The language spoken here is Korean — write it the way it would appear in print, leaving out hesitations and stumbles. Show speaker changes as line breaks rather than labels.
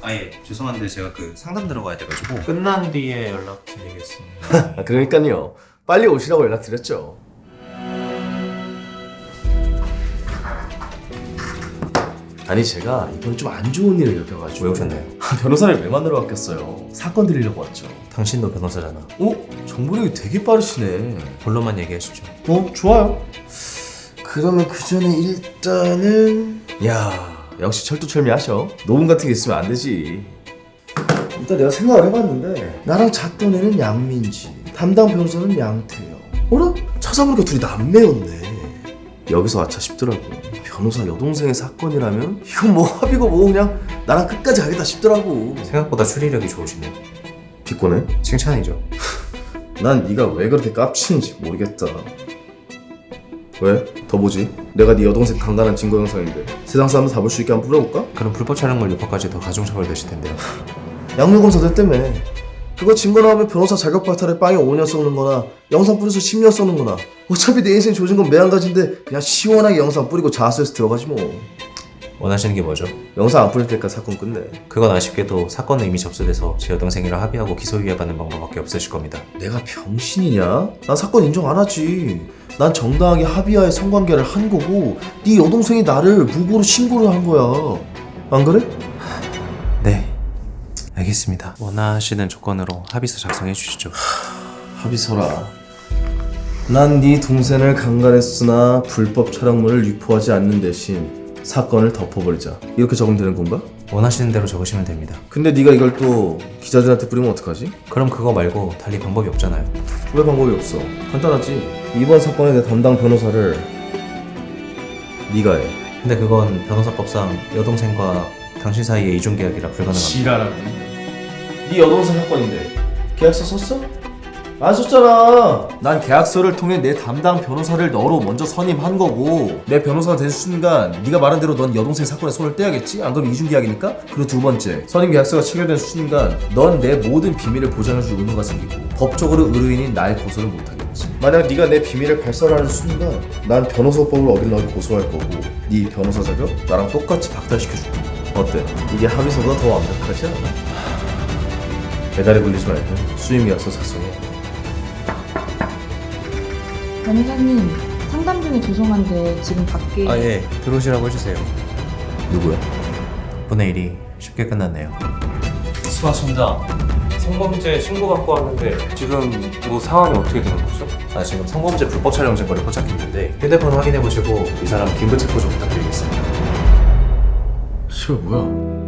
아예 죄송한데 제가 그 상담 들어가야 돼가지고.
끝난 뒤에 연락드리겠습니다.
그러니까요. 빨리 오시라고 연락드렸죠. 아니 제가 이번에 좀 안 좋은 일을 겪어가지고.
왜 오셨나요?
변호사를 왜 만나러 왔겠어요. 사건 드리려고 왔죠.
당신도 변호사잖아.
정보력이 되게 빠르시네.
본론만 얘기하시죠.
좋아요. 그러면 그 전에 일단은 역시 철두철미하셔. 녹음 같은 게 있으면 안 되지. 일단 내가 생각을 해봤는데 나랑 잤던 애는 양민지, 담당 변호사는 양태영. 어라? 찾아보니까 둘이 남매였네. 여기서 아차 싶더라고. 변호사 여동생의 사건이라면 이건 뭐 합의고 뭐 그냥 나랑 끝까지 가겠다 싶더라고.
생각보다 추리력이 좋으시네요.
비꼬네?
칭찬이죠.
난 네가 왜 그렇게 깝치는지 모르겠다. 왜? 더 보지? 내가 네 여동생 강간한 증거 영상인데 세상 사람들 다 볼 수 있게 한번 뿌려볼까?
그럼 불법 촬영물 유포까지 더 가중처벌 되실 텐데요.
양육검사들 때문에 그거 증거 나오면 변호사 자격 발탈에 빵에 5년 쏘는 거나 영상 뿌려서 10년 쏘는 거나 어차피 내 인생 조진 건 매한가지인데 그냥 시원하게 영상 뿌리고 자수해서 들어가지 뭐.
원하시는 게 뭐죠?
영상 안 뿌릴 때까지 사건 끝내.
그건 아쉽게도 사건은 이미 접수돼서 제 여동생이랑 합의하고 기소유예 받는 방법밖에 없으실 겁니다.
내가 병신이냐? 난 사건 인정 안 하지. 난 정당하게 합의하에 성관계를 한 거고 네 여동생이 나를 무고로 신고를 한 거야. 안 그래?
네, 알겠습니다. 원하시는 조건으로 합의서 작성해 주시죠.
합의서라. 난 네 동생을 강간했으나 불법 촬영물을 유포하지 않는 대신 사건을 덮어버리자. 이렇게 적으면 되는 건가?
원하시는 대로 적으시면 됩니다.
근데 네가 이걸 또 기자들한테 뿌리면 어떡하지?
그럼 그거 말고 달리 방법이 없잖아요.
왜 방법이 없어? 간단하지. 이번 사건의 내 담당 변호사를 네가 해.
근데 그건 변호사법상 여동생과 당신 사이의 이중계약이라 불가능합니다.
지랄하네. 네 여동생 사건인데 계약서 썼어? 안 썼잖아. 난 계약서를 통해 내 담당 변호사를 너로 먼저 선임한 거고 내 변호사가 된 순간 네가 말한 대로 넌 여동생 사건에 손을 떼야겠지? 안 그러면 이중계약이니까? 그리고 두 번째, 선임 계약서가 체결된 순간 넌 내 모든 비밀을 보장해줄 의무가 생기고 법적으로 의뢰인인 날 고소를 못하겠지. 만약 네가 내 비밀을 발설하는 순간 난 변호사법을 어긴 너를 고소할 거고 네 변호사 자격 나랑 똑같이 박탈시켜줄 거야. 어때? 이게 합의서가 더 완벽하지 않아? 배달에 불리지 말고 수임 계약서 작성해.
변호사님, 상담 중에 죄송한데 지금 밖에
예, 들어오시라고 해주세요.
누구야?
덕분에 일이 쉽게 끝났네요.
수고하십니다. 성범죄 신고 받고 왔는데 지금 뭐 상황이 어떻게 되는 거죠?
지금 성범죄 불법 촬영 증거를 포착했는데 휴대폰 확인해보시고 이 사람 긴급 체포 좀 부탁드리겠습니다.
씨발 뭐야?